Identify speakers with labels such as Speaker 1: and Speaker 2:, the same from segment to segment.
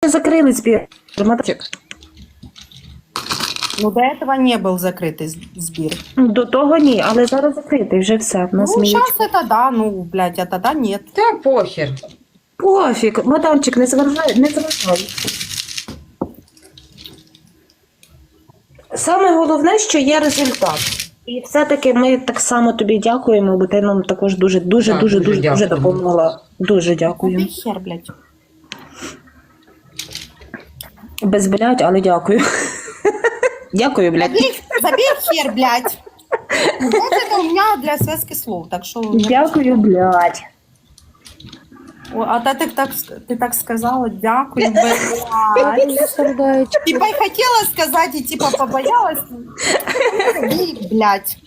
Speaker 1: закрили збір. Маточек.
Speaker 2: Ну, до этого не был закрытый сбір.
Speaker 1: До того ні, але зараз закритий, вже все. В нас
Speaker 2: Ну,
Speaker 1: сміють.
Speaker 2: сейчас это да, ну, блядь, это да, нет.
Speaker 3: Та похер.
Speaker 1: Пофіг, мадамчик, не заважай, не заважай. Саме головне, що є результат. І все-таки ми так само тобі дякуємо, бо ти нам також дуже
Speaker 3: дякую.
Speaker 1: допомогла. Дуже дякую.
Speaker 2: Убей хер, блядь.
Speaker 1: Без блядь, але дякую. Дякую, блядь.
Speaker 2: Забей хер, блядь. Ну, вот это у меня для связки слов, так что...
Speaker 1: Дякую, блядь.
Speaker 2: О, а ты так сказала, дякую, блядь.
Speaker 4: Сердечко.
Speaker 2: Типа и хотела сказать, и типа побоялась. Забей, блядь.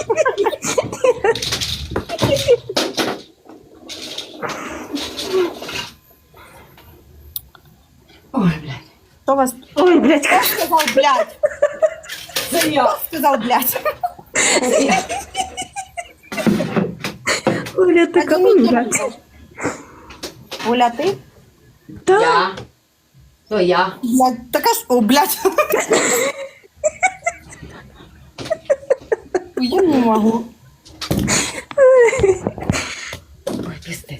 Speaker 3: Ой, блядь.
Speaker 2: Кто вас...
Speaker 1: Ой, блядь.
Speaker 2: Кто сказал, блядь? Кто сказал, блядь?
Speaker 1: Оля, ти кому, блядь?
Speaker 2: Оля, ты?
Speaker 1: Та?
Speaker 3: Я. То я.
Speaker 2: Блядь, так аж... О, блядь. Я не могу.
Speaker 3: Ой, пиздец.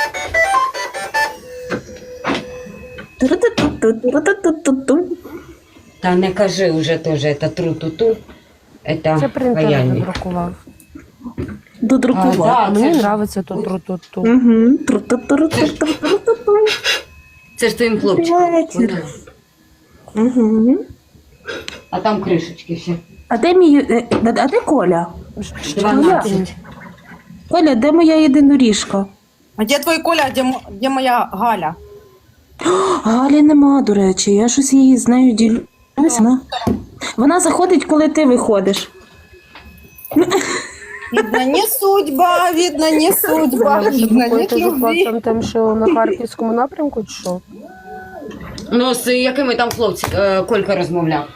Speaker 1: Ту-ру-ту-ту-ту-ру-ту-ту-ту.
Speaker 3: Та не кажи уже тоже, это тру-ту-ту.
Speaker 4: Це
Speaker 3: Это
Speaker 4: принтер
Speaker 3: паяльник.
Speaker 4: надрукував.
Speaker 1: Додрукував.
Speaker 3: А,
Speaker 4: Мені
Speaker 3: це ж-
Speaker 4: подобається тут тру-ту-ту.
Speaker 1: Угу. Тру-ту-ту-ру-ту-ту-ру-ту-ту.
Speaker 3: Це ж твоїм хлопчиком.
Speaker 1: Вечір. Угу.
Speaker 3: А там кришечки ще.
Speaker 1: А де а де Коля?
Speaker 3: 12.
Speaker 1: Коля, де моя єдиноріжка?
Speaker 2: А где твой Коля, где моя Галя?
Speaker 1: Галі нема, до речі, я щось її з нею ділюся. Вона заходить, коли ти виходиш.
Speaker 2: Видно, не судьба, видно, не судьба, видно, нет
Speaker 4: Заходите за
Speaker 2: любви.
Speaker 4: хлопцем тим, що на Харківському напрямку, чи що?
Speaker 3: Ну, з якими там хлопці Колька розмовляв?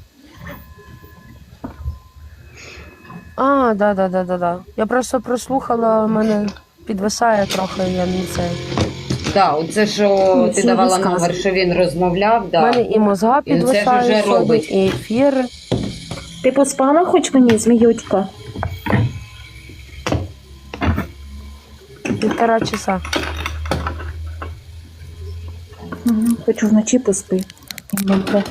Speaker 4: А, да. Я просто прослухала, в мене підвисає трохи, я не це.
Speaker 3: Так, оце що
Speaker 1: Ну,
Speaker 3: ти
Speaker 1: це
Speaker 3: давала
Speaker 1: розказуй.
Speaker 3: номер, що він розмовляв,
Speaker 4: У
Speaker 3: да.
Speaker 4: мене і мозга
Speaker 3: І це ж
Speaker 4: підвисає
Speaker 3: вже
Speaker 4: сьогодні,
Speaker 3: робить.
Speaker 4: і ефір.
Speaker 1: Ти поспала хоч мені, зміючка?
Speaker 4: 1,5 часа.
Speaker 1: Хочу вночі поспи. Добре.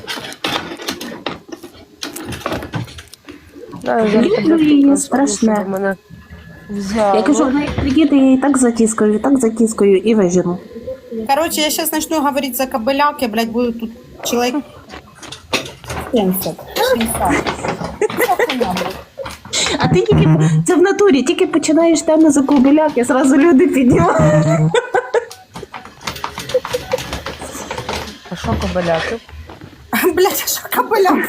Speaker 4: Да, я зараз
Speaker 1: Люблю
Speaker 4: тебе
Speaker 1: її,
Speaker 4: просто
Speaker 1: страшне.
Speaker 4: щоб мене взяло.
Speaker 1: Я кажу, вона як приїде, я її так затіскаю і вижену.
Speaker 2: Короче, я сейчас начну говорить за кобыляк, я, блядь, буду тут человек 70. 60.
Speaker 1: А ти тільки, це в натурі, тільки починаєш тему за кобиляк, я зразу люди піднімаю.
Speaker 4: А що кобиляки?
Speaker 2: Блядь, а что кобыляк?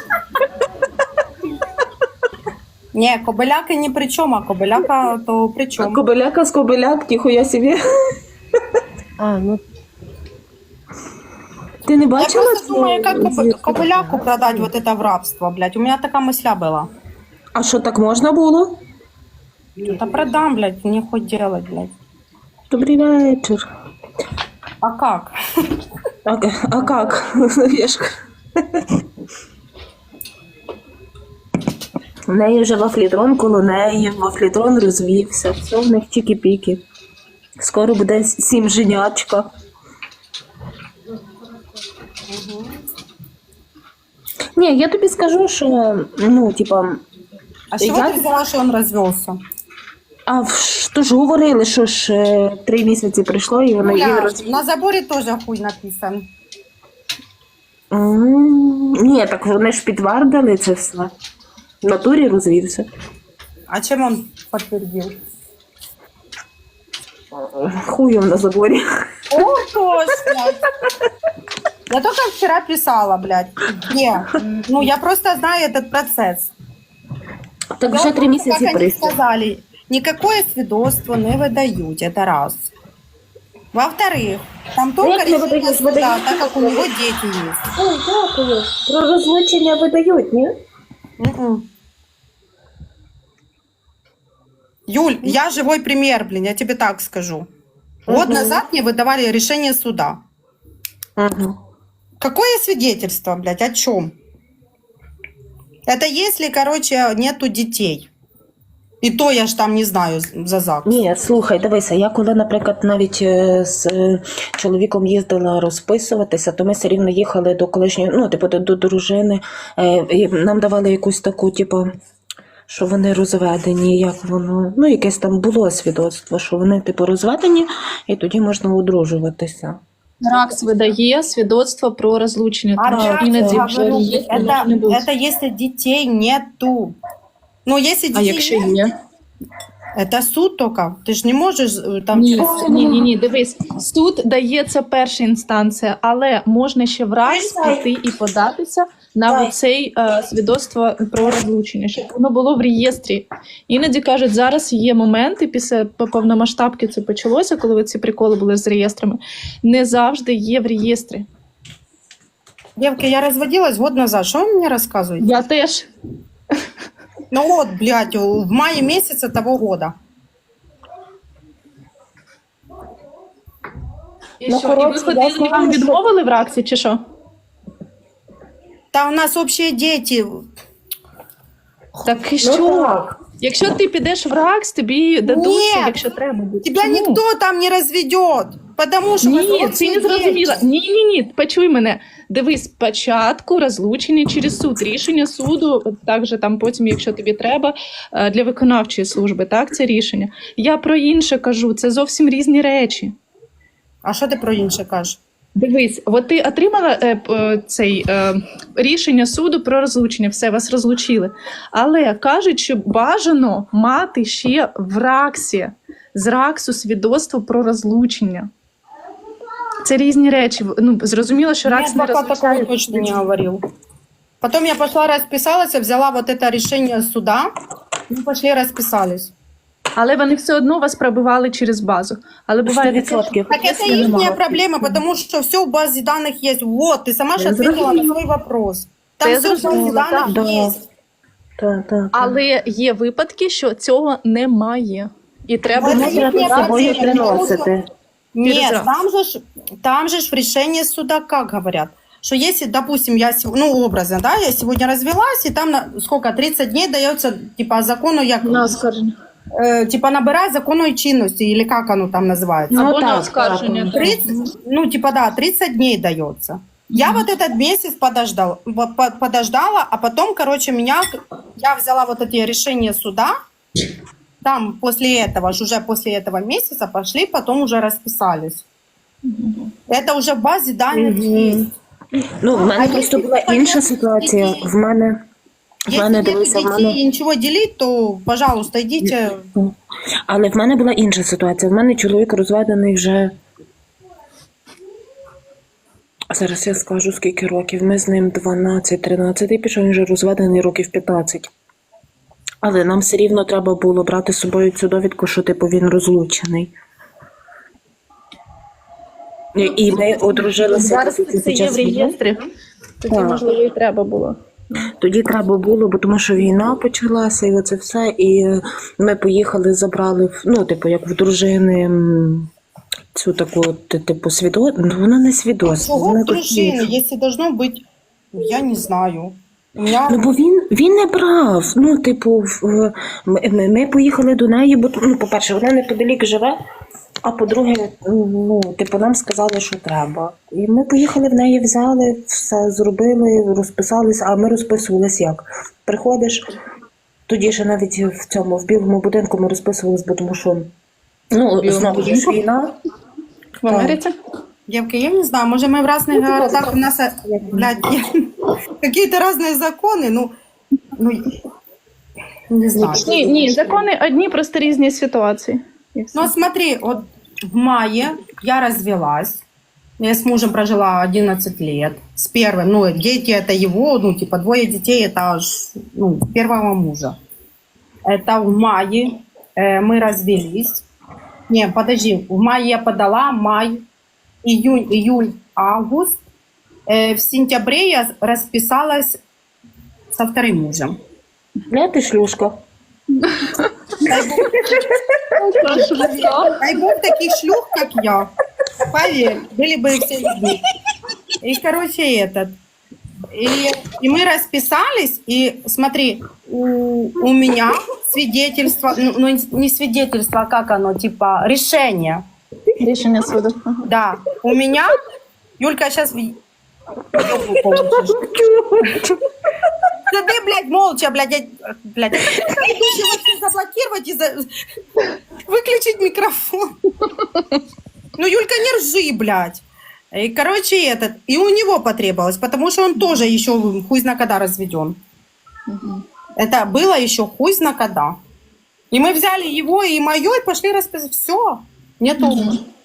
Speaker 2: Не, кобыляка ни при чем, а кобыляка то при
Speaker 1: А
Speaker 2: чем.
Speaker 1: кобиляка з кобиляк, тихо собі.
Speaker 4: А, ну
Speaker 1: Ти не
Speaker 2: Я
Speaker 1: бачила?
Speaker 2: просто думаю, как
Speaker 1: звідки?
Speaker 2: кобыляку продать вот это в рабство, блядь. У меня такая мысля была.
Speaker 1: А що, так можна було?
Speaker 2: Да продам, блядь, мне хоть делать, блядь.
Speaker 1: Добрий вечір.
Speaker 2: А как?
Speaker 1: А как? Вешка. У неї вже вафлітрон коло неї, вафлітрон розвівся, все в них чікі-піки. Скоро буде 7 женячка. Ні, я тобі скажу, що, ну, типа,
Speaker 2: А с чего
Speaker 1: Я-
Speaker 2: ты взяла, что он развелся?
Speaker 1: то ж говорили, що ж 3 місяці пройшло, і воно її
Speaker 2: Бля, на заборе тоже хуй написан.
Speaker 1: Ні, так вони ж підтвердили це все. В натурі розвівся.
Speaker 2: А чем он подтвердил?
Speaker 1: Хуєм на заборі.
Speaker 2: О, точно! Я только вчера писала, блядь. Где? Ну, я просто знаю этот процесс.
Speaker 1: Так вже 3 місяці
Speaker 2: Как они
Speaker 1: прийшло.
Speaker 2: сказали, никакое свидетельство не выдают, это раз. Во-вторых, там только
Speaker 1: Як не
Speaker 2: решение
Speaker 1: видають?
Speaker 2: суда,
Speaker 1: Видають.
Speaker 2: так как у него дети есть.
Speaker 1: Ой, дякую. Про розлучення видають, ні?
Speaker 2: М-м. Юль, я живой пример, блин, я тебе так скажу. Год назад мне выдавали решение суда.
Speaker 1: Угу.
Speaker 2: Какое свидетельство, блядь, о чем? Это если, короче, нету детей. І то я ж там не знаю за ЗАГС.
Speaker 1: Ні, слухай, дивися, я коли, наприклад, навіть з чоловіком їздила розписуватися, то ми все рівно їхали до колишньої, ну, типу, до дружини, і нам давали якусь таку, типу, що вони розведені, як воно, ну, якесь там було свідоцтво, що вони, типу, розведені, і тоді можна одружуватися.
Speaker 5: РАКС видає свідоцтво про розлучення.
Speaker 2: А
Speaker 5: Тому
Speaker 2: я
Speaker 5: іноді
Speaker 2: тебе
Speaker 5: вже
Speaker 2: говорю,
Speaker 5: є, може не бути.
Speaker 2: это если детей нету. Ну, если
Speaker 5: А
Speaker 2: детей
Speaker 5: якщо
Speaker 2: нет,
Speaker 5: є?
Speaker 2: это суд только. Ты ж не можешь там
Speaker 5: Ні,
Speaker 2: через...
Speaker 5: ні, дивись. Суд дає це перша інстанція, але можна ще в РАКС піти і податися на цей свідоцтво про розлучення, щоб воно було в реєстрі. Іноді кажуть, зараз є моменти, після повномасштабки це почалося, коли ці приколи були з реєстрами, не завжди є в реєстрі.
Speaker 2: Девки, я разводилась год назад. Что вы мне рассказываете?
Speaker 5: Я теж.
Speaker 2: Ну вот, блядь, в мае месяце того года.
Speaker 5: І
Speaker 1: Ну,
Speaker 5: що, і ви
Speaker 1: коротше,
Speaker 5: ходили,
Speaker 1: я
Speaker 5: і вам
Speaker 1: знаю, що-
Speaker 5: відмовили в РАКСі, чи що?
Speaker 2: Да у нас общие дети.
Speaker 5: Так і що?
Speaker 1: так.
Speaker 5: Якщо ти підеш в РАКС, тобі дадуть,
Speaker 2: Ні.
Speaker 5: якщо треба буде.
Speaker 2: Тебя
Speaker 5: Чому?
Speaker 2: никто там не разведет. Потому что у вас
Speaker 5: Ні,
Speaker 2: общие
Speaker 5: ти не
Speaker 2: дети.
Speaker 5: зрозуміла. Ні, почуй мене. Дивись, спочатку розлучення через суд, рішення суду, також там потім, якщо тобі треба, для виконавчої служби, так, це рішення. Я про інше кажу, це зовсім різні речі.
Speaker 2: А що ти про інше кажеш?
Speaker 5: Дивись, от ти отримала рішення суду про розлучення, все, вас розлучили. Але кажуть, що бажано мати ще в РАКСі, з РАКСу свідоцтво про розлучення. Це різні речі. Ну, зрозуміло, що РАКС не
Speaker 2: Нет, пока такого
Speaker 5: розлучає.
Speaker 2: точно не говорил. Потом я пошла расписалась, взяла вот это решение суда. Мы пошли расписались.
Speaker 5: Але вони все одно вас пробивали через базу. Але буває таке,
Speaker 1: 100%.
Speaker 2: Так это их проблема, потому что все в базе данных есть. Вот, ты сама же ответила на свой вопрос. Там
Speaker 5: Я
Speaker 2: все в базе
Speaker 5: зрозуміла,
Speaker 2: данных
Speaker 1: да.
Speaker 2: есть.
Speaker 1: Так.
Speaker 5: але є випадки, що цього немає. І треба
Speaker 2: Ну,
Speaker 1: Це
Speaker 2: їхня
Speaker 1: треба з собою
Speaker 2: реакція,
Speaker 1: приносити.
Speaker 2: Нет,
Speaker 5: Перезрак.
Speaker 2: там же ж в решении суда как говорят, что если, допустим, ну, образно, да, я сегодня развелась, и там сколько, 30 дней дается, типа, закону, як,
Speaker 5: на оскарження.
Speaker 2: типа, набирать законной чинности, или как оно там называется.
Speaker 1: Ну,
Speaker 5: Або на
Speaker 1: так,
Speaker 5: оскарження.
Speaker 1: так.
Speaker 2: 30, ну, типа, да, 30 дней дается. Я вот этот месяц подождала, а потом, короче, я взяла вот эти решения суда, там после этого, уже после этого месяца пошли, потом уже расписались. Это уже в базе данных есть.
Speaker 1: Ну, в мене
Speaker 2: А
Speaker 1: просто
Speaker 2: якщо
Speaker 1: була
Speaker 2: понятно,
Speaker 1: інша ситуація.
Speaker 2: які-
Speaker 1: В мене
Speaker 2: Если нет
Speaker 1: дивися, в
Speaker 2: детей
Speaker 1: мене.
Speaker 2: и ничего делить, то, пожалуйста, идите.
Speaker 1: Але в мене була інша ситуація. В мене чоловік розведений вже. Зараз я скажу, скільки років. Ми з ним 12-13 і пішов, він вже розведений років 15. Але нам все рівно треба було брати з собою цю довідку, що типу він розлучений. І ми одружилися.
Speaker 5: Зараз
Speaker 1: під
Speaker 5: це є
Speaker 1: час
Speaker 5: в
Speaker 1: війни.
Speaker 5: реєстрі. Тоді,
Speaker 1: Так.
Speaker 5: можливо, і треба було.
Speaker 1: Тоді треба було, бо тому що війна почалася, і оце все. І ми поїхали, забрали, ну, типу, як в дружини цю таку, типу, свідоцтво. Ну, вона не свідоцтво.
Speaker 2: Чего
Speaker 1: Вона
Speaker 2: в дружине, если должно быть, я не знаю. У меня...
Speaker 1: Ну, бо він не брав. Ну, типу, ми поїхали до неї, бо, ну, по-перше, вона неподалік живе, а по-друге, ну, типу, нам сказали, що треба. І ми поїхали в неї, взяли, все зробили, розписалися, а ми розписувались як? Приходиш, тоді ще навіть в білому будинку ми розписувались, бо тому що, ну, знову ж війна.
Speaker 5: В Америці?
Speaker 2: Девки, я не знаю, может, мы в разных городах, у нас, блядь, какие-то разные законы, ну, не знаю.
Speaker 5: Ні, закони одні, просто різні ситуації. І все.
Speaker 2: Ну, смотри, вот в мае я развелась, я с мужем прожила 11 лет, с первым, ну, дети это его, ну, типа, 2 детей, это, ну, первого мужа. Это в мае мы развелись. Не, подожди, в мае я подала, май, июнь, июль, август. В сентябре я расписалась со вторым мужем.
Speaker 1: Не, ти шлюшка.
Speaker 2: Дай бог таких шлюх, как я. Поверь, были бы все людьми. И, короче, и мы расписались, и смотри, у меня свидетельство, ну не свидетельство, а как оно, типа решение.
Speaker 5: Рішення суду. Ага.
Speaker 2: Да, у меня, Юлька, сейчас... Да ты, блядь, молча, блядь. Заблокировать и выключить микрофон. Ну, Юлька, не ржи, блядь. И, короче, и у него потребовалось, потому что он тоже еще хуй зна когда разведен. Это было еще хуй зна когда. И мы взяли его и мое, и пошли расписать. Все. Нету.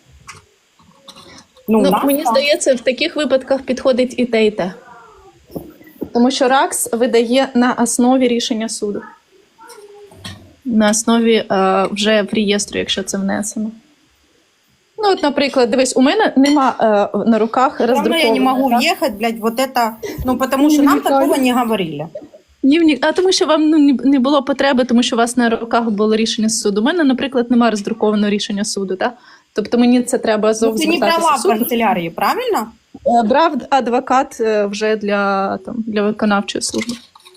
Speaker 2: Ну,
Speaker 5: Ну,
Speaker 2: нас
Speaker 5: мені
Speaker 2: там.
Speaker 5: здається, в таких випадках підходить і те, і те. Тому що РАКС видає на основі рішення суду. На основі вже в реєстру, якщо це внесено. Ну, от, наприклад, дивись, у мене нема на руках
Speaker 2: Равно
Speaker 5: роздрукованого.
Speaker 2: я не могу
Speaker 5: так?
Speaker 2: въехать, блядь, вот это, ну, потому что нам такого не говорили.
Speaker 5: А тому що вам не було потреби, тому що у вас на руках було рішення суду. У мене, наприклад, немає роздрукованого рішення суду, так? Тобто мені це треба
Speaker 2: Ну,
Speaker 5: зовсім
Speaker 2: ты не брала в канцелярии, правильно?
Speaker 5: Брав адвокат вже для виконавчої служби.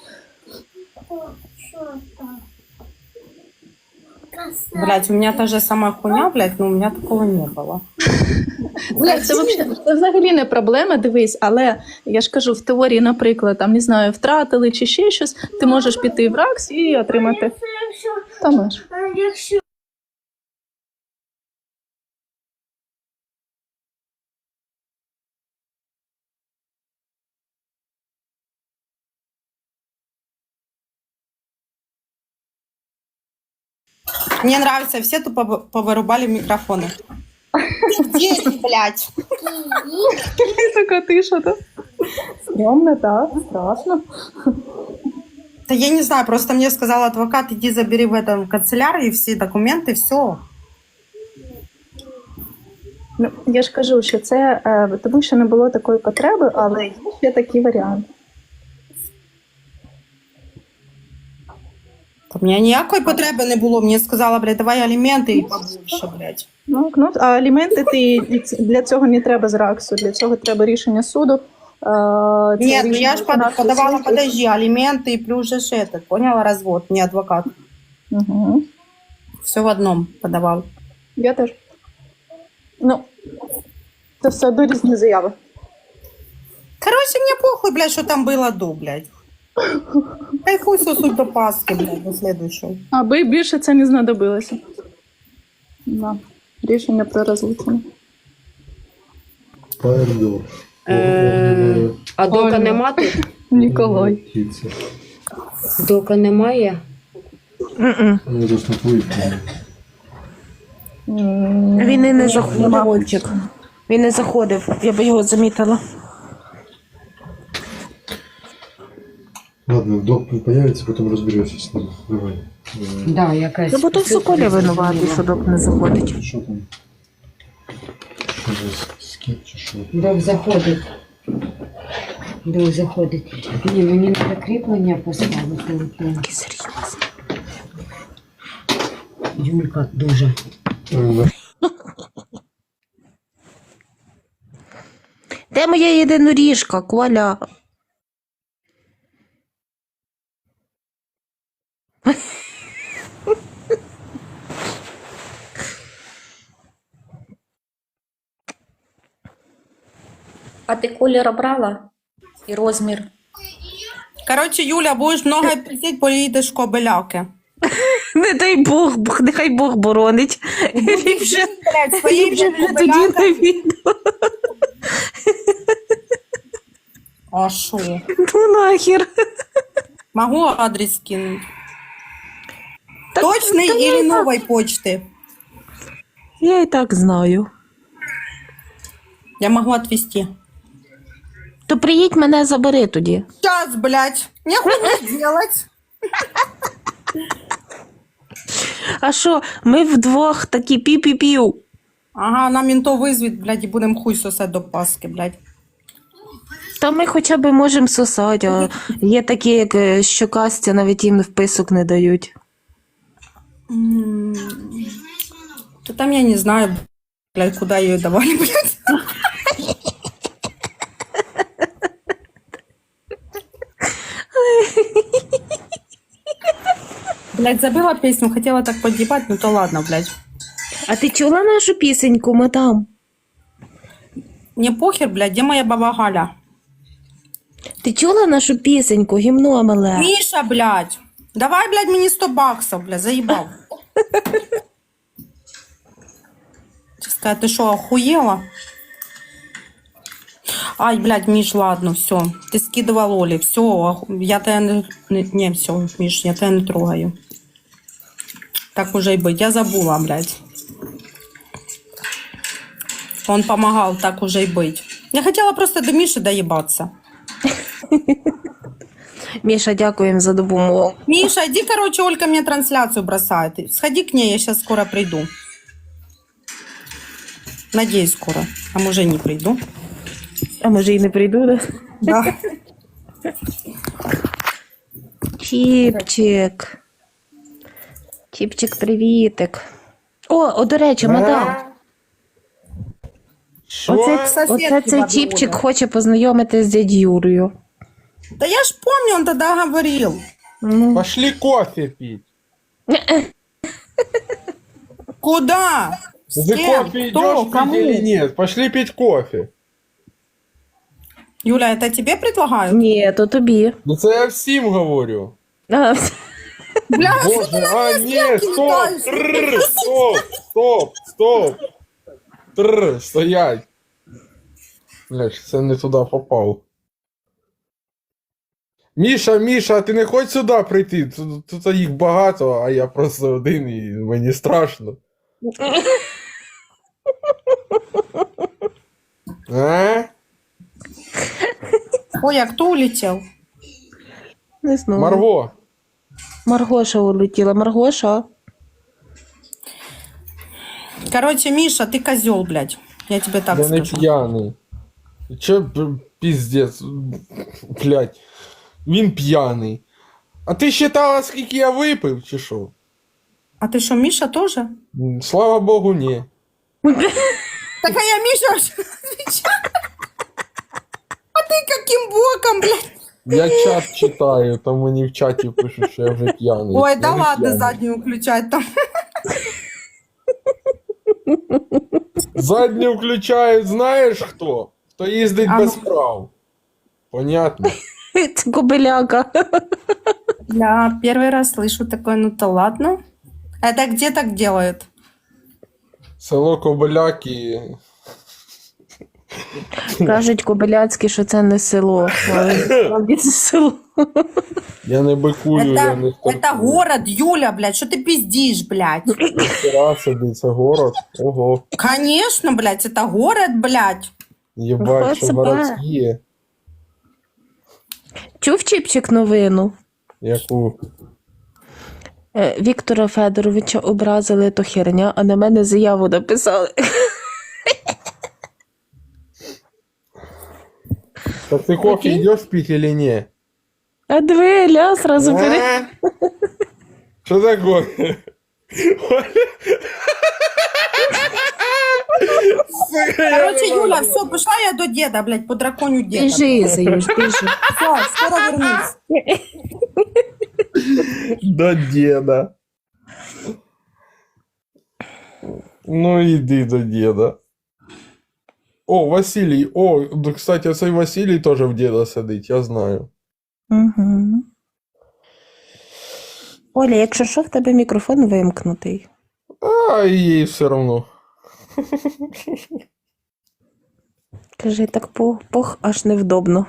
Speaker 2: Блядь, у меня та же самая хуйня, блядь, но у меня такого не было.
Speaker 5: Це взагалі не проблема, дивись, але я ж кажу, в теорії, наприклад, там, не знаю, втратили чи ще щось, ти можеш піти в РАКС і отримати. Там ж.
Speaker 2: Мне нравится, все тупо повырубали микрофоны. Дети, блядь.
Speaker 5: Така тиша, так? Стрьомно, так, страшно.
Speaker 2: Да я не знаю, просто мне сказал адвокат, иди забери в этом канцелярии все документы, все.
Speaker 5: Ну, я ж кажу, що це тому, що не було такої потреби, але є ще такий варіант.
Speaker 2: У меня ніякої потреби не було. Мені сказала, блядь, давай аліменти і побольше, блядь.
Speaker 5: Ну, а аліменти для цього не треба з РАКСу, для цього треба рішення суду.
Speaker 2: Нет, ну я ж подавала, подожди, алименты и плюс же ж этот, поняла, развод, не адвокат.
Speaker 5: Угу.
Speaker 2: Все в одном подавал.
Speaker 5: Я теж. Ну, це все одно різні заяви.
Speaker 2: Короче, мне похуй, блядь, что там было до, блядь. Ай, хуй сосуть до Пасхи, блядь, до следующего.
Speaker 5: Аби більше це не знадобилося. Да. Рішення про розлучення.
Speaker 6: Пардон.
Speaker 3: А дока нема тут?
Speaker 5: Ніколай.
Speaker 6: Птица.
Speaker 3: Дока немає?
Speaker 6: Ну, это ж на твоих.
Speaker 1: Він і не заходив. Він не заходив, я би його замітила.
Speaker 6: Ладно, док появится, потом разберешься с ним. Давай.
Speaker 3: Да, якась.
Speaker 1: Ну, бо то все Коля винуватий, що док не заходить.
Speaker 6: Что там? Что за скид, что?
Speaker 3: Док заходить. Док заходить. Ні, мені треба кріплення поставити.
Speaker 1: Який серйозний.
Speaker 3: Юлька, дуже.
Speaker 1: Де моя єдиноріжка, Коля? А ти колір обрала? І розмір?
Speaker 2: Короче, Юля, будешь много пиздеть, поїдеш в Кобилявки.
Speaker 1: Не дай Бог, нехай Бог боронить. Він вже,
Speaker 2: Блядь, своїй
Speaker 1: він вже
Speaker 2: вже
Speaker 1: тоді
Speaker 2: Кобилявки.
Speaker 1: на відео.
Speaker 2: А шо?
Speaker 1: Ну нахер.
Speaker 2: Могу адрес скинуть?
Speaker 1: Так,
Speaker 2: Точный
Speaker 1: та я
Speaker 2: или
Speaker 1: і так-
Speaker 2: новой почты?
Speaker 1: Я і так знаю.
Speaker 2: Я могу отвезти.
Speaker 1: То приїдь мене забери тоді.
Speaker 2: Сейчас, блядь. Нехуй делать.
Speaker 1: А що, ми вдвох такі пі-пі-пів.
Speaker 2: Ага, нам ментов визвуть, блядь, і будемо хуй сосати до Пасхи, блядь.
Speaker 1: Та ми хоча б можемо сосати, а є такі, як щокастя, навіть їм вписок не дають.
Speaker 2: Да там я не знаю, блядь, куда ее давали, блядь. Блядь, забыла песню, хотела так подъебать, ну то ладно, блядь.
Speaker 1: А ти чула нашу пісеньку, мадам?
Speaker 2: Мне похер, блядь, где моя баба Галя?
Speaker 1: Ти чула нашу пісеньку, гімно мале?
Speaker 2: Миша, блядь, давай, блядь, мне 100 баксов, блядь, заебал. Сказать, ты что, охуела? Ай, блядь, Миш, ладно, все. Ты скидывал Оле, все, я тебя не, все, Миш, я тебя не трогаю. Так уже и быть, я забыла, блядь. Он помогал, так уже и быть. Я хотела просто до Миши доебаться.
Speaker 1: Міша, дякуємо за допомогу.
Speaker 2: Миша, иди, короче, Олька мне трансляцию бросает. Сходи к ней, я сейчас скоро приду. Надеюсь, скоро. А может, и не приду.
Speaker 1: А може і не прийду, да?
Speaker 2: Да.
Speaker 1: Чіпчик. Чіпчик, привітик. О, до речі, мадам.
Speaker 6: Що?
Speaker 1: Оце цей чіпчик хоче познайомитись з дядь Юрою.
Speaker 2: Да я ж помню, он тогда говорил.
Speaker 1: Ну,
Speaker 6: Пошли кофе пить.
Speaker 2: Куда? С
Speaker 6: Ты
Speaker 2: кем?
Speaker 6: кофе
Speaker 2: Кто?
Speaker 6: идешь пить
Speaker 2: Кому?
Speaker 6: или нет? Пошли пить кофе.
Speaker 2: Юля, это тебе предлагают?
Speaker 1: ні, то тобі.
Speaker 6: Ну це я всім говорю.
Speaker 1: А,
Speaker 2: Бля,
Speaker 6: Боже, а ні, стоп,
Speaker 2: летаешь?
Speaker 6: тррр, стоп. Тррр, стоять. Бля, це не туди попав. Міша, ти не хочеш сюди прийти? Тут їх багато, а я просто один і мені страшно. А?
Speaker 2: Ой, а кто улетел?
Speaker 1: не знаю.
Speaker 6: Марго,
Speaker 1: Маргоша улетіла. Маргоша.
Speaker 2: Короче, Миша, ты козел, блядь. Я тебе так
Speaker 6: я не
Speaker 2: скажу.
Speaker 6: п'яний. Че піздець, блядь. Він п'яний. А ти считала, скільки я випив, чи що?
Speaker 2: А ты что, Миша тоже?
Speaker 6: Слава Богу, ні.
Speaker 2: Так а я Миша отвечаю. А ты каким боком, блядь?
Speaker 6: Я чат читаю, там мені в чаті пишуть, що я вже п'яний.
Speaker 2: Ой,
Speaker 6: Я
Speaker 2: да
Speaker 6: не
Speaker 2: ладно,
Speaker 6: п'яний.
Speaker 2: заднюю включать там.
Speaker 6: Задню включають, знаєш хто? Хто їздить
Speaker 2: А
Speaker 6: без
Speaker 2: ну.
Speaker 6: прав. Понятно.
Speaker 1: Це кобиляка.
Speaker 2: Я первый раз слышу такое, ну то ладно. Это где так делают?
Speaker 6: Село Кобиляки.
Speaker 1: Кажуть кобиляцькі, що це не село. Але справді це село.
Speaker 6: Я не бикую, я не
Speaker 2: Это город, Юля, блядь, что ты пиздишь, блядь?
Speaker 6: Хера собі, це город. Ого.
Speaker 2: Конечно, блядь, это город, блядь.
Speaker 6: Єбать, що
Speaker 1: себе.
Speaker 6: городські.
Speaker 1: Чув Чіпчик новину?
Speaker 6: Яку?
Speaker 1: Віктора Федоровича образили, то херня, а на мене заяву написали.
Speaker 6: Так ти кофе йдеш пить или не?
Speaker 1: А диви, ля, сразу бери.
Speaker 6: А? Що такое? Сука, я
Speaker 2: Короче,
Speaker 6: не
Speaker 2: Юля,
Speaker 6: можу.
Speaker 2: все, пошла я до деда, блядь, по драконю деда.
Speaker 1: Біжи, Заюш, біжи.
Speaker 2: Все, скоро вернусь.
Speaker 6: До деда. Ну іди до деда. О, Василій. О, да, кстати, цей Василій теж в деда сидить, я знаю.
Speaker 1: Угу. Оля, якщо що, в тебе мікрофон вимкнутий.
Speaker 6: А їй все равно.
Speaker 1: Кажи, так пох аж невдобно.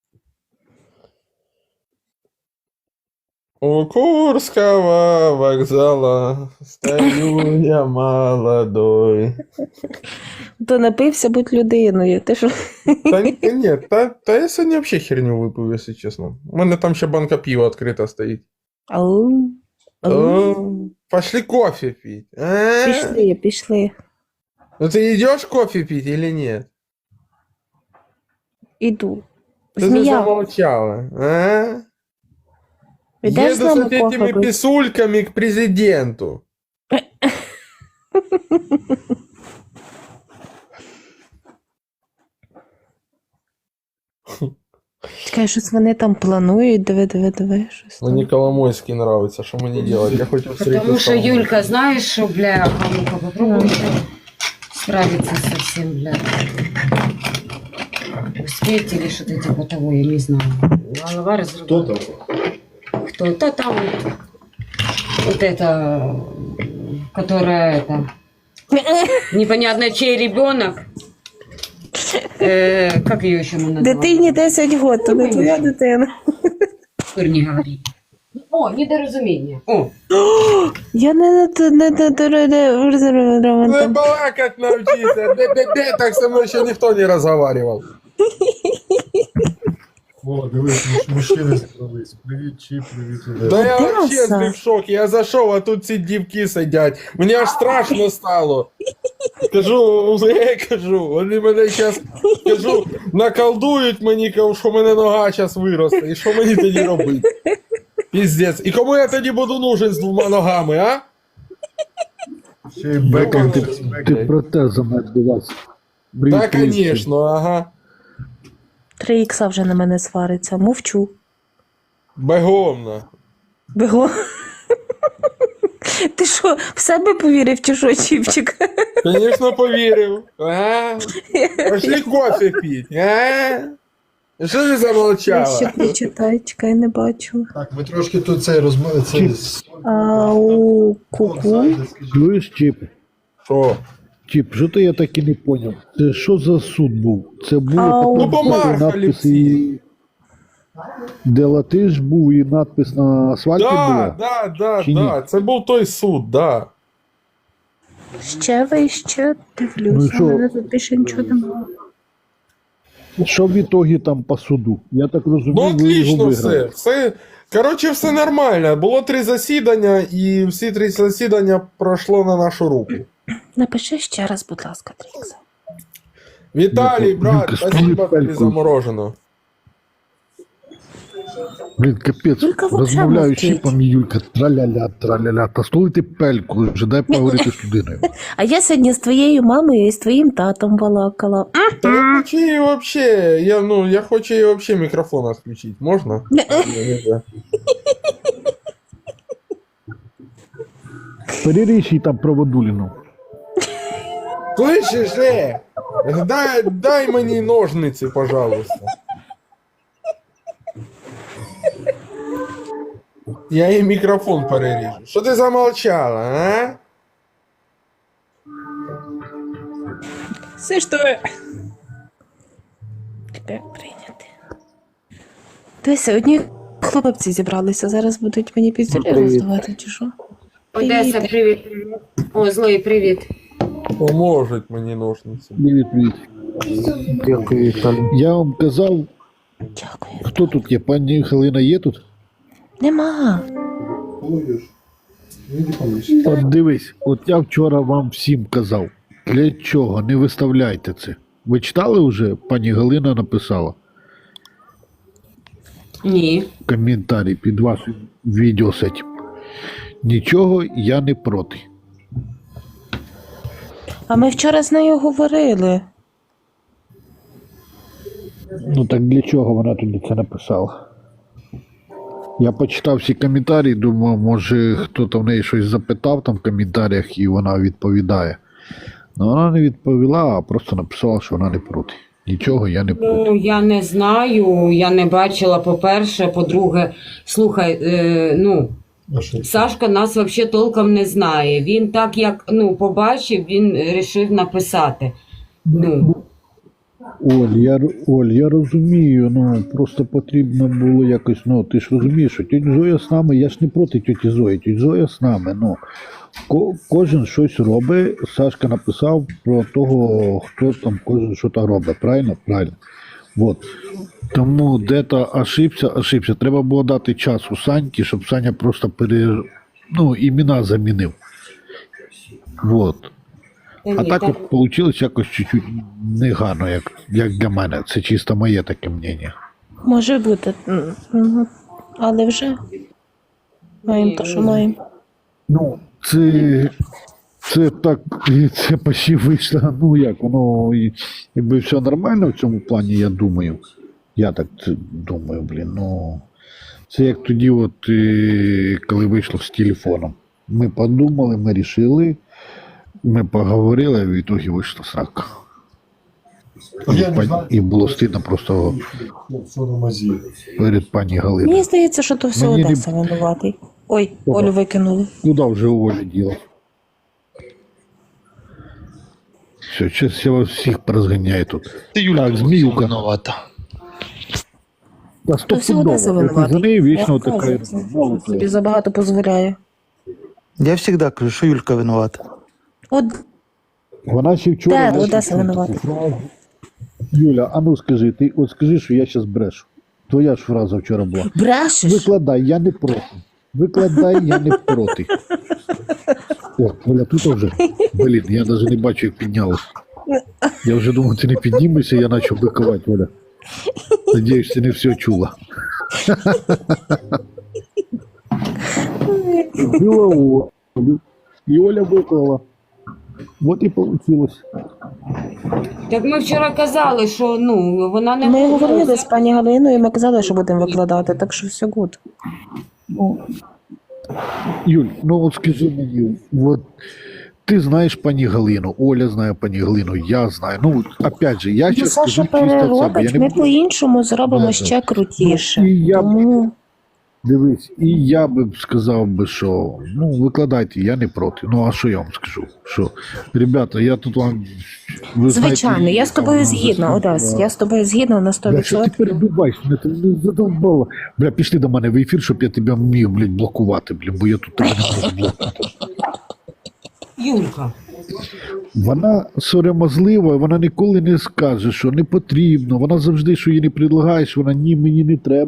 Speaker 6: У Курского вокзала стою я молодой.
Speaker 1: То напився, будь людиною. Ти що?
Speaker 6: Та я сьогодні взагалі херню випив, якщо чесно. У мене там ще банка пива відкрита стоїть.
Speaker 1: Ау. Ау.
Speaker 6: Пошли кофе пить. А?
Speaker 1: Пішли.
Speaker 6: Ну ты идешь кофе пить или нет?
Speaker 1: Іду.
Speaker 6: Ты же
Speaker 1: Змія.
Speaker 6: замолчала. А?
Speaker 1: Ідеш з
Speaker 6: Еду с
Speaker 1: нами
Speaker 6: вот этими
Speaker 1: кофе пити?
Speaker 6: писульками к президенту.
Speaker 1: Чекай, щось вони там планують, диви, щось там.
Speaker 6: Мені Коломойський нравиться, що мені делать? Я хочу встретиться
Speaker 3: Потому
Speaker 6: с
Speaker 3: что
Speaker 6: Коломойским.
Speaker 3: Юлька, знаешь, что, бля, ну-ка попробуй справиться со всем, бля. Успеть или что-то типа того, я не знаю. Голова разрывает. Кто-то там вот это, которая это, непонятно чей ребенок. Как ее еще мы называем?
Speaker 1: Дитині 10 років, то не твоя дитина.
Speaker 3: Не говори. О, недоразумение. О,
Speaker 1: Я
Speaker 6: Не балакать навчиться. Де так со мною ще ніхто не розговаривав.
Speaker 7: О, дивись, мужчини зібрались. Привіт, Чіп, привіт, Ілля.
Speaker 6: Да я
Speaker 1: Де
Speaker 6: вообще
Speaker 1: Саш?
Speaker 6: в шокі. Я зайшов, а тут ці дівки сидять. Мені аж страшно стало. Кажу, вони мене зараз, наколдують мені, кажу, що в мене нога зараз виросте. І що мені тоді робити? Піздець. І кому я тоді буду нужен з 2 ногами, а?
Speaker 7: Ще й бекер.
Speaker 8: Ти протезом відбувався.
Speaker 6: Так, звісно, ага.
Speaker 1: 3 ікса вже на мене свариться. Мовчу.
Speaker 6: Бегомно.
Speaker 1: Бего. Ти що, в себе повірив чи що, Чіпчик?
Speaker 6: Звісно, повірив. Ага. Пошли кофе пить, а? Що ти
Speaker 1: Я
Speaker 6: замолчала?
Speaker 1: ще прочитай, чекай, не бачу.
Speaker 7: Так, ми трошки тут цей розмови.
Speaker 1: Ау, ку-ку.
Speaker 8: Чуєш, Чіп?
Speaker 6: Що?
Speaker 8: Чіп, що то я так і не поняв? Це що за суд був? Це було
Speaker 1: Ау.
Speaker 8: потім
Speaker 6: Ну, помархали
Speaker 8: надпис
Speaker 6: всі.
Speaker 8: і... Де латиш був і надпис на асфальті була?
Speaker 6: Да,
Speaker 8: Чи ні?
Speaker 6: да. Це був той суд, да.
Speaker 1: Ще вище
Speaker 8: Ну
Speaker 1: дивлюся,
Speaker 8: і що?
Speaker 1: у мене тут більше нічого немає.
Speaker 8: Що в ітогі там по суду? Я так розумію,
Speaker 6: Ну,
Speaker 8: ви його
Speaker 6: отлично все.
Speaker 8: виграли.
Speaker 6: Коротше, все нормально. Було 3 засідання, і всі 3 засідання пройшло на нашу руку.
Speaker 1: Напиши ще раз, будь ласка, Трікса.
Speaker 6: Віталій, брат,
Speaker 8: Юлька,
Speaker 6: спасибо тобі
Speaker 8: пельку.
Speaker 6: за мороженое.
Speaker 8: Блін, капець,
Speaker 1: Юлька вообще
Speaker 8: розмовляю з
Speaker 1: мовчить.
Speaker 8: Чіпом і Юлька, траля-ля. Та столити пельку, вже дай поговорити з людиною.
Speaker 1: А я сьогодні з твоєю мамою і з твоїм татом балакала.
Speaker 6: Та я хочу її вообще, я хочу її вообще мікрофон відключити. Можна? Нельзя.
Speaker 8: Переріж їй там проводуліну.
Speaker 6: Слышиш, дай мені ножниці, пожалуйста. Я їй мікрофон переріжу. Що ти замолчала, а?
Speaker 1: Все що? Тебе прийняти. Дивися, одні хлопці зібралися, зараз будуть мені піздюлі роздавати, чи що?
Speaker 3: Одесса, привет. О, злой, привет.
Speaker 6: Поможуть мені ножниці.
Speaker 8: Привіт.
Speaker 7: Дякую, Віталій.
Speaker 8: Я вам казав,
Speaker 1: Дякую.
Speaker 8: хто тут є? Пані Галина є тут?
Speaker 1: Нема.
Speaker 8: От дивись, от я вчора вам всім казав, для чого не виставляйте це. Ви читали вже? Пані Галина написала
Speaker 3: Ні.
Speaker 8: коментарі під вашим відео з цим. Нічого я не проти.
Speaker 1: А ми вчора з нею говорили.
Speaker 8: Ну так для чого вона тоді це написала? Я почитав всі коментарі, думав, може хто-то в неї щось запитав там в коментарях і вона відповідає. Ну вона не відповіла, а просто написала, що вона не проти. Нічого я не проти.
Speaker 3: Ну, я не знаю, я не бачила, по-перше, по-друге, слухай, Сашка нас взагалі толком не знає. Він так, як побачив, він вирішив написати.
Speaker 8: Оль, я розумію, просто потрібно було якось, ти ж розумієш, що тьотя Зоя з нами, я ж не проти тьоті Зої, тьотя Зоя з нами, кожен щось робить, Сашка написав про того, хто там кожен щось робить, правильно? Правильно. Вот. Тому де-то ошибся, треба було дати час у Саньки, щоб Саня просто імена замінив. Вот. А так от вийшло якось чуть-чуть негарно, як для мене. Це чисто моє таке мнення.
Speaker 1: Може бути. Але вже маємо те, що маємо.
Speaker 8: Це так, це почти вийшло, якби все нормально в цьому плані, я думаю. Я так думаю, блін, ну. Це як тоді, от, коли вийшло з телефоном. Ми подумали, ми рішили, ми поговорили, а в ітогі вийшла срака.
Speaker 7: Я не знаю,
Speaker 8: І було стидно просто
Speaker 7: що на мазі.
Speaker 8: перед пані Галиною.
Speaker 1: Мені здається, що то все
Speaker 8: Мені не-
Speaker 1: Одеса винуватий. Ой,
Speaker 8: Ого.
Speaker 1: Олю викинули.
Speaker 8: Куда вже Оля діла? Все, зараз я вас всіх порозганяю тут. Так, Зміюка.
Speaker 9: виновата.
Speaker 8: Та
Speaker 1: То все Одеса
Speaker 8: стопудово.
Speaker 1: винуватий.
Speaker 8: За неї вічно
Speaker 1: Я
Speaker 8: така.
Speaker 1: кажу, собі забагато дозволяє.
Speaker 9: Я завжди кажу, що Юлька виновата.
Speaker 1: От
Speaker 8: Вона ще вчора...
Speaker 1: де Одеса винуватий?
Speaker 8: Юля, а ну скажи, ти от скажи, що я зараз брешу. Твоя ж фраза вчора була.
Speaker 1: Брешеш?
Speaker 8: Викладай, я не проти. Викладай, я не проти. О, Оля, тут вже. Блін, я навіть не бачу, як піднялась. Я вже думав, ти не піднімешся, я почав бикувати, Оля. Надіюсь, ти не все чула. Била Олю. І Оля виклала. От і вийшло.
Speaker 3: Так ми вчора казали, що ну, вона не
Speaker 1: Ми
Speaker 3: може.
Speaker 1: говорили з пані Галиною, і ми казали, що будемо викладати, так що все гуд.
Speaker 8: Юль, ну от скажи мені, от ти знаєш пані Галину, Оля знає пані Галину, я знаю. Ну, опять же, я
Speaker 1: Ну,
Speaker 8: зараз
Speaker 1: Саша
Speaker 8: скажу чисто від себе.
Speaker 1: переробить,
Speaker 8: Я
Speaker 1: ми
Speaker 8: не буду...
Speaker 1: по-іншому зробимо
Speaker 8: Да,
Speaker 1: ще крутіше.
Speaker 8: І я б,
Speaker 1: Тому
Speaker 8: дивись, і я би сказав би, що ну, викладайте, я не проти. Ну, а що я вам скажу? Що, ребята, я тут вам... ви
Speaker 1: звичайно,
Speaker 8: знаєте,
Speaker 1: я з тобою
Speaker 8: там,
Speaker 1: згідна, Одес, я з тобою згідна на
Speaker 8: Бля, що ти
Speaker 1: 100%.
Speaker 8: перебиваєш мене, ти не задовбала. Бля, пішли до мене в ефір, щоб я тебе міг, блядь, блокувати, блін, бо я тут тебе не можу блокувати.
Speaker 3: Юлька.
Speaker 8: Вона сором'язлива, вона ніколи не скаже, що не потрібно. Вона завжди, що їй не предлагаєш, вона ні, мені не треба.